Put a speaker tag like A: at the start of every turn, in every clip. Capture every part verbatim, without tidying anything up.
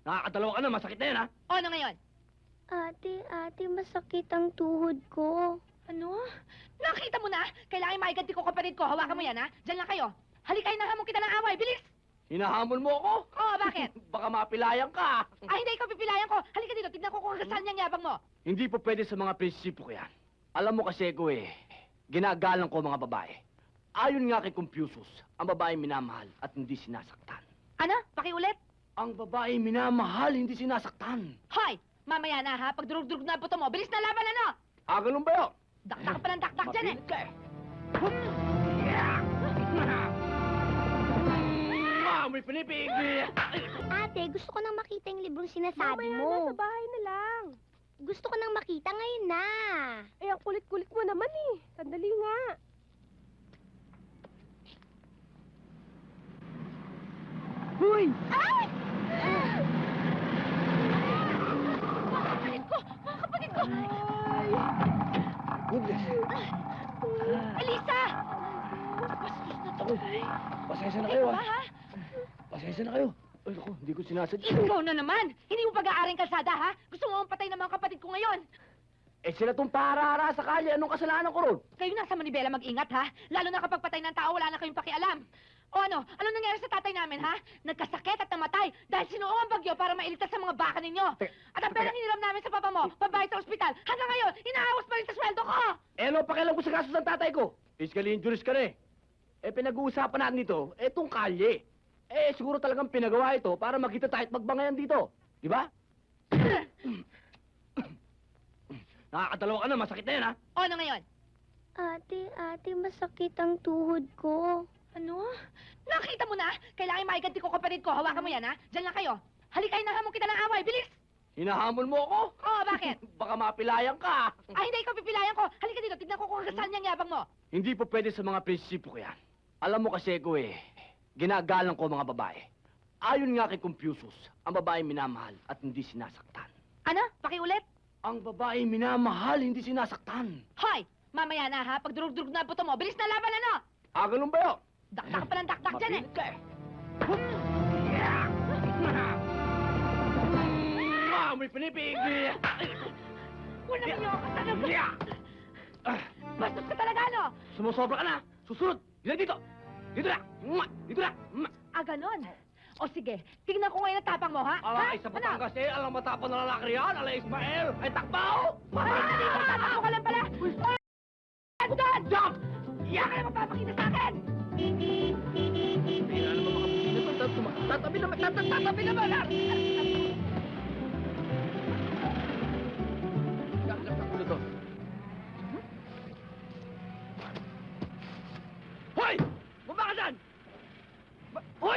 A: Nakakadalawa ka na, masakit na yan, ha?
B: O, ano ngayon?
C: Ate, ate, masakit ang tuhod ko.
B: Ano? Nakita mo na? Kailangan maiganti ko kapatid ko. Hawakan mo yan, ha? Diyan lang kayo. Halika, hinahamon kita ng away. Bilis!
A: Hinahamon mo ako?
B: Oo, bakit?
A: Baka mapilayan ka.
B: Ay, hindi ikaw pipilayan ko. Halika dito, tignan ko kung hanggang niyang yabang mo.
A: Hindi po pwede sa mga prinsipo ko yan. Alam mo kasi ko eh, ginagalang ko mga babae. Ayon nga kay Confucius, ang babae minamahal at hindi sinasaktan.
B: Ano? Pakiulit?
A: Ang babae minamahal, hindi sinasaktan.
B: Hoy! Mamaya na, ha? Pag durug-durug na ang buto mo, bilis na laban, ano?
A: Ah, ganun ba yun?
B: Dakdak pa ng dakdak dyan, eh.
A: Mapilit ka eh. Yeah! Ah, may pinipigil.
C: Ate, gusto ko nang makita yung librong sinasabi mo.
D: Sa bahay na lang.
C: Gusto ko nang makita ngayon na.
D: Eh, ang kulit-kulit mo naman eh. Sandali nga.
A: Hoy!
B: Ay! Mga kapatid ko! Mga kapatid ko!
A: Goodness.
B: Elisa! Bastos na to.
A: Ako, pasensya na kayo,
B: Ikaw
A: ah.
B: ba, ha?
A: Pasensya na kayo. Ay, ako, hindi ko sinasadya.
B: Ikaw na naman! Hindi mo pag-aaring kalsada, ha? Gusto mo patay ng mga kapatid ko ngayon.
A: Eh, sila tong para-hara sa kalye. Anong kasalanan ko ron?
B: Kayo nasa Manibela mag-ingat, ha? Lalo na kapag patay ng tao, wala na kayong pakialam. O ano? Ano nangyari sa tatay namin, ha? Nagkasakit at namatay dahil sinuong ang bagyo para mailigtas sa mga baka ninyo.
A: Teka,
B: At ang perang hiniram namin sa papa mo, pambayad sa ospital, hanggang ngayon, inaawas pa rin sa sweldo ko!
A: Eh, ano pakialam ko sa gastos ng tatay ko? Physically injuries ka na eh. Eh, pinag-uusapan natin ito, etong kalye. Eh, siguro talagang pinagawa ito para magkita tayo at magbangayan dito. Di ba? Nakakadalawa ka na, masakit na yan, ha?
B: O ano ngayon?
C: Ate, ate, masakit ang tuhod ko.
B: Ano? Nakita mo na? Kailangan maiganti ko kapatid ko. Hawakan mo yan, ha? Diyan lang kayo. Halika, hinahamon kita ng away. Bilis!
A: Hinahamon mo ako?
B: Oo, bakit?
A: Baka mapilayan ka.
B: Ay, hindi ikaw pipilayan ko. Halika dito, tignan ko kung hanggang niyang yabang mo.
A: Hindi po pwede sa mga prinsipo ko yan. Alam mo kasi ko eh, ginagalang ko mga babae. Ayon nga kay Confucius, ang babae minamahal at hindi sinasaktan.
B: Ano? Pakiulit?
A: Ang babae minamahal, hindi sinasaktan.
B: Hoy! Mamaya na, ha? Pag durug-durug na ang buto mo, bilis na laban, ano?
A: Ah, ganun ba yun?
B: Dakdak pa ng dakdak dyan, eh.
A: Mapilit ka eh. Yeah! Ah, may pinipigil.
B: Walang iyo ka talaga.
A: Yeah! Ah,
B: Bastos ka talaga, ano?
A: sumusobra ka na. Susunod. Dito, dito. Dito na. Mwah! Dito na. Mwah!
B: Ah, ganon. O sige, tignan ko ngayon ang tapang mo, ha?
A: Ala,
B: ha?
A: isa Batangas eh. Alang matapang na lalaki riyan. Ala, Ismael. Ay, takbaw!
B: Ay, hindi mo tatakbo ka lang pala. Ay, ano doon?
A: Jump!
B: Iyak ka na magpapakita sa akin.
A: Hindi na naman makapagpina to. Tat- Tatabi naman. tat- Tatabi naman. ah. Yak, yak, yak, ulo to. Hoy! Baba ka dyan! Ba- Hoy!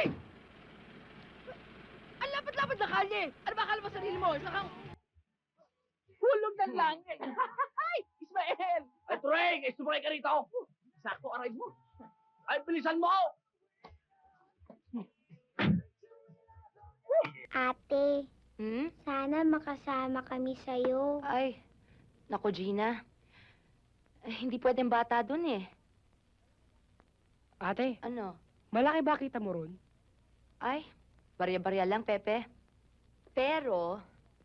B: Ang lapad-lapad na kalye. Ano ba akala mo sarili mo? Isa kang hulog ng langit. Ay, Ismael!
A: Ay, Treng! Ay, sumakay ka rito! Sakto, aray mo! Ay, bilisan mo!
C: Ate,
B: Hmm?
C: sana makasama kami sa'yo.
B: Ay, naku, Gina. Eh, hindi pwedeng bata dun eh.
D: Ate,
B: Ano?
D: malaki ba kita mo ron?
B: Ay, barya-barya lang, Pepe. Pero,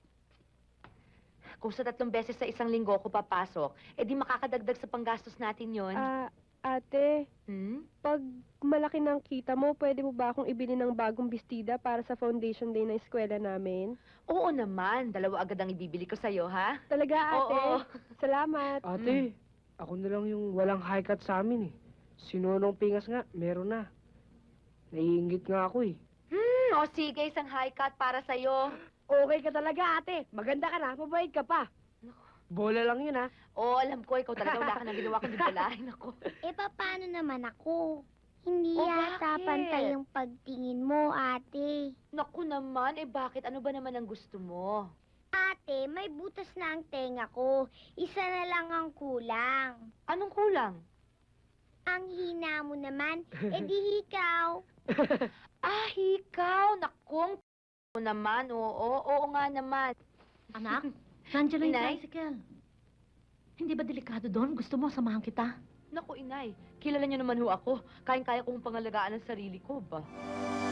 B: kung sa tatlong beses sa isang linggo ko papasok, eh di makakadagdag sa panggastos natin yon.
D: Ah, ate,
B: Hmm?
D: pag malaki ng kita mo, pwede mo ba akong ibili ng bagong bestida para sa foundation day ng eskwela namin?
B: Oo naman. Dalawa agad ang ibibili ko sa'yo, ha?
D: Talaga, ate?
B: Oo.
D: Salamat. Ate, ako na lang yung walang high cut sa amin eh. Sinunong pingas nga, meron na. Naiingit nga ako eh.
B: Hmm, o sige, isang high cut para sa'yo.
D: Okay ka talaga, ate. Maganda ka na, mabait ka pa. Bola lang yun, ha?
B: Oo, alam ko, ikaw talaga wala ka nang ginawa kundi balahin ako.
C: Eh, paano naman ako? Hindi
B: Oh,
C: yata
B: bakit?
C: pantay yung pagtingin mo, ate.
B: Naku naman, eh bakit? Ano ba naman ang gusto mo?
C: Ate, may butas na ang tenga ko. Isa na lang ang kulang.
B: Anong kulang?
C: Ang hina mo naman, edi ikaw.
B: Ah, ikaw! Nakong mo naman, oo, oo nga naman.
E: Anak, nandiyan na yung
B: Inay?
E: tricycle. Hindi ba delikado doon? Gusto mo, samahan kita?
B: Naku, inay, kilala niyo naman ho ako. Kayang-kaya kong pangalagaan ang sarili ko ba?